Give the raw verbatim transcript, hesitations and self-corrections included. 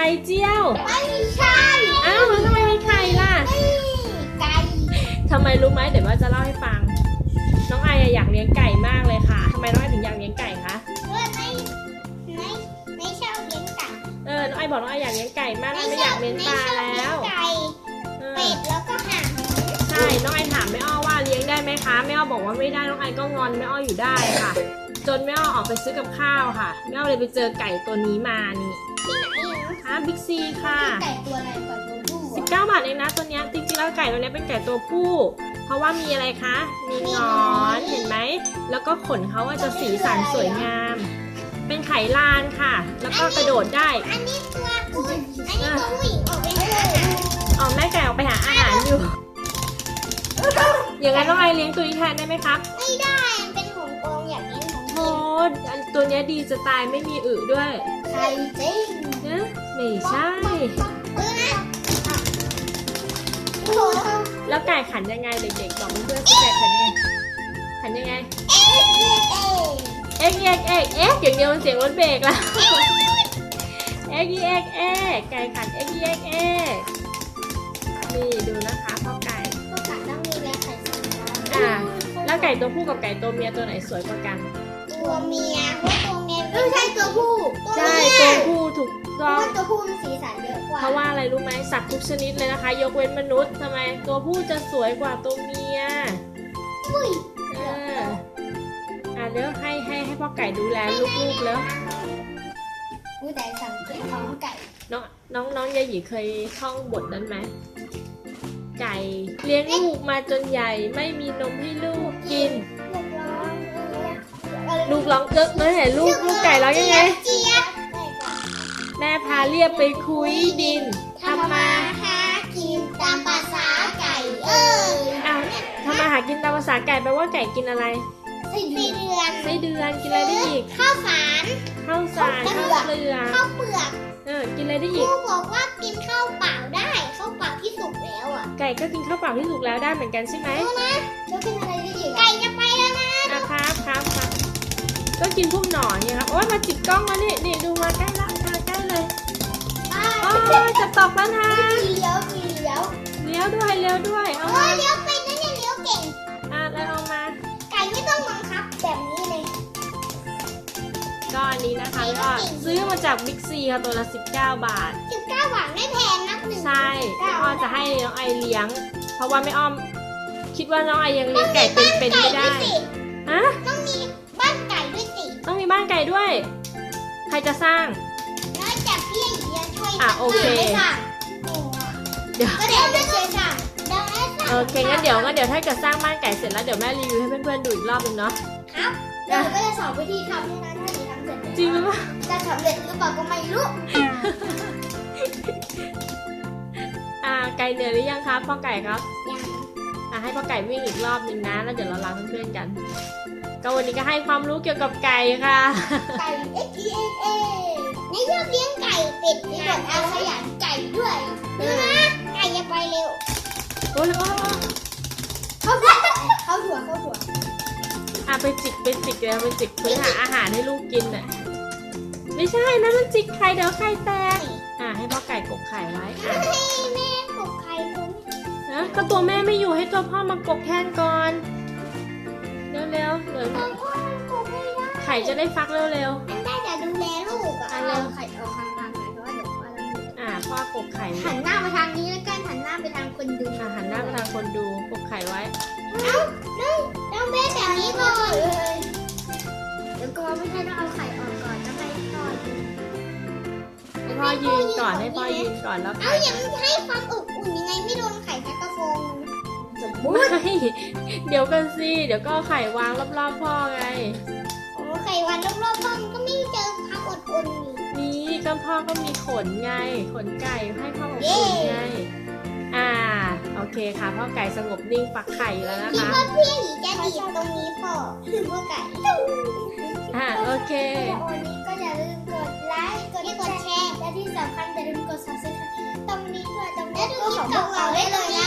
ข่เจียวไม่ใช่อ้าวแล้วทำไมมีไข่ล่ะไก่ทำไมรู้ไหมเดี๋ยวว่าจะเล่าให้ฟังน้องไออยากเลี้ยงไก่มากเลยค่ะทำไมน้องไอถึงอยากเลี้ยงไก่คะเพื่อนไม่ไม่ไม่ชอบเลี้ยงไก่เออน้องไอบอกน้องไออยากเลี้ยงไก่มากไม่อยากเลี้ยงปลาแล้วไก่เป็ดแล้วก็ห่านใช่น้องไอถามแม่อ้อว่าเลี้ยงได้ไหมคะแม่อ้อบอกว่าไม่ได้น้องไอก็งอนแม่อ้ออยู่ได้ค่ะ จนแม่อ้อออกไปซื้อกับข้าวค่ะแม่อ้อเลยไปเจอไก่ตัวนี้มานี่ที่ไหนอ่ะค่ะบิ๊กซีค่ะไก่ตัวอะไรก่อนตัวผู้สิบเก้าบาทเองนะตัวเนี้ยจริงๆแล้วไก่ตัวเนี้ยเป็นไก่ตัวผู้ เพราะว่ามีอะไรคะมีหงอนเห็นไหมแล้วก็ขนเขาว่าจะสีสันสวยงาม เป็นไข่ลานค่ะ แล้วก็กระโดดได้อันนี้ตัวผู้อันนี้ตัวผู้หญิงออกไปหาอาหารออกแม่ไก่ออกไปหาอาหารอยู่ อย่างนั้นน้องไอเลี้ยงตัวนี้แทนได้ไหมครับไม่ได้มันเป็นของกองอยากเลี้ยงของโอ้อันตัวเนี้ยดีจะตายไม่มีอึด้วยใครจริงนะไม่ใช่เออนะโอ้โหแล้วไก่ขันยังไงเด็กๆบอกเพื่อนๆสิไก่ขันยังไงขันยังไงเอ๊ะเอ๊ะเอ็กเอ็กเอ็กเอ็กอย่างเดียวมันเสียงรถเบรกละเอ็กเอ็กเอ็กไก่ขันเอ็กเอ็กเอ็กนี่ดูนะคะพ่อไก่ก็กัดต้องมีแรงไข่สองตัวอ่าแล้วไก่ตัวผู้กับไก่ตัวเมียตัวไหนสวยกว่ากันตัวเมียเพราะตัวเมียไม่ใช่ตัวผู้ใช่ตัวผู้ถูกเพต้ราะองว่าตัวผู้มันสีสันเยอะกว่าเพราะว่าอะไรรู้ไหมสัตว์ทุกชนิดเลยนะคะ ยกเว้นมนุษย์ทำไมตัวผู้จะสวยกว่าตัวเมียอุ้ยเอออ่ะเดี๋ยวให้ให้ให้พ่อไก่ดูแลลูกๆแล้วอุ้ยแต่สังเกตท้องไก่น้องน้องน้องยายหยีเคยท่องบทนั้นไหมไก่เลี้ยงลูกมาจนใหญ่ไม่มีนมให้ลูกกินลูกร้องลูกร้องเก๊กเลยเห็นลูกลูกไก่ร้องยังไงเจี๊ยบแม่พาเรียบไปคุยดินทำมาหากินตามภาษาไก่เอออ้าวทำมาหากินตามภาษาไก่แปลว่าไก่กินอะไรไส้เดือนไส้เดือนกินอะไรได้อีกข้าวสารข้าวสารข้าวเปลือกข้าวเปลือกเออกินอะไรได้คอีรูกบอกว่ากินข้าวเปล่าได้ข้าวเปล่าที่สุกแล้วอ่ะไก่ก็กินข้าวเปล่าที่สุกแล้วได้เหมือนกันใช่ไหมแล้วกินอะไรได้อีกไก่จะไปแล้วนะอ่ะครับครับครับก็กินพวกหนอนไงครับโอ้ยมาจิกกล้องมานี่นี่ดูมาใกล้ละมาใกล้เลยโอ้ยจะตกแล้วนะมีเลี้ยวมีเลี้ยวเลี้ยวด้วยเลี้ยวด้วยเอาโอ้มายเลี้ยวเป็นนะเนี่ยเลี้ยวเก่งอ่ะแล้วเอามาไก่ไม่ต้องบังคับแบบนี้เลยก็อันนี้นะคะก็ซื้อมาจากบิ๊กซีค่ะตัวละสิบเก้าบาทสิบเก้าบาทไม่แพงนักหนึ่งใช่แม่อ้อมจะให้น้องไอเลี้ยง เพราะว่าแม่อ้อม คิดว่าน้องไอยังเลี้ยงไก่เป็นๆไม่ได้ฮะต้องมีบ้านไก่ด้วยสิต้องมีบ้านไก่ด้วย ใครจะสร้างแล้วจากพี่ไอเดียช่วยอ่ะโอเคไม่สั่งเดี๋ยวก็เดี๋ยวจะช่วยสั่งเดี๋ยวให้สั่งโอเคงั้นเดี๋ยวงั้นเดี๋ยวถ้าเกิดสร้างบ้านไก่เสร็จแล้วเดี๋ยวแม่รีวิวให้เพื่อนๆดูอีกรอบนึงเนาะครับเดี๋ยวก็จะสอนวิธีทำด้วยนะถ้าหนูทำเสร็จจริงหรือเปล่าจะสำเร็จหรือเปล่าก็ไม่รู้อ่าไก่เหนื่อยหรือยังครับพ่อไก่ครับยังอ่าให้พ่อไก่วิ่งอีกรอบนึงนะแล้วเดี๋ยวเราลาเพื่อนๆกัน ก็วันนี้ก็ให้ความรู้เกี่ยวกับไก่ค่ะไก่ X E X A นี่ชอบเลี้ยงไก่เป็ดนี่แบบอาขยันไก่ด้วยดูนะไก่จะไปเร็วโอ้ยโอ้ยโอ้ยเข้าหัวเข้าหัวเข้าหัวอ่ะไปจิกไปจิกเลยไปจิกเพื่อหาอาหารให้ลูกกินน่ะไม่ใช่นะมันจิกไข่เดี๋ยวไข่แตกอ่ะให้พ่อไก่กกไข่ไว้อ่ะให้แม่ปลุกไข่ผมนะก็ตัวแม่ไม่อยู่ให้ตัวพ่อมากกแทนก่อนเร็วๆเดี๋ยวเพราะว่ามันปลุกไม่ได้ไข่จะได้ฟักเร็วมันได้แต่ดูแลลูกอะอ่ะเร็วไข่ออกทางทางไหนเพราะว่าเดี๋ยวพ่อต้องดูๆอ่ะพ่อกกไข่หันหน้ามาทางนี้แล้วกันหันหน้าไปทางคนดูอ่ะหันหน้าไปทางคนดูกกไข่ไว้ต้องเบ้แบบนี้ก่อนเดี๋ยวก็ไม่ใช่ต้องเอาไข่ออกก่อนต้องให้พ่อดูให้พ่อยืนก่อนให้พ่อยืนก่อนแล้วเอาไข่อย่างให้ความอบอุ่นยังไงไม่โดนไข่แค่กระโฟงสมมติไม่เดี๋ยวกันสิเดี๋ยวก็เอาไข่วางรอบๆพ่อไงโอ้ไข่วันรอบๆพ่อมันก็ไม่เจอความอดอุ่นนี่นี่ก็พ่อก็มีขนไงขนไก่ให้พ่ออบอุ่นไงอ่าโอเคค่ะพ่อไก่สงบนิ่งฟักไข่แล้วนะคิดคะว่าพี่หยีจะดีดตรงนี้พอคือว่าไก่อ่าโอเควันนี้ก็อย่าลืมกดไลค์กดแชร์และที่สำคัญอย่าลืมกด ซับสไครบ์ ตรงนี้ด้วยตรงนี้ก็ของพวกเราได้เลยนะ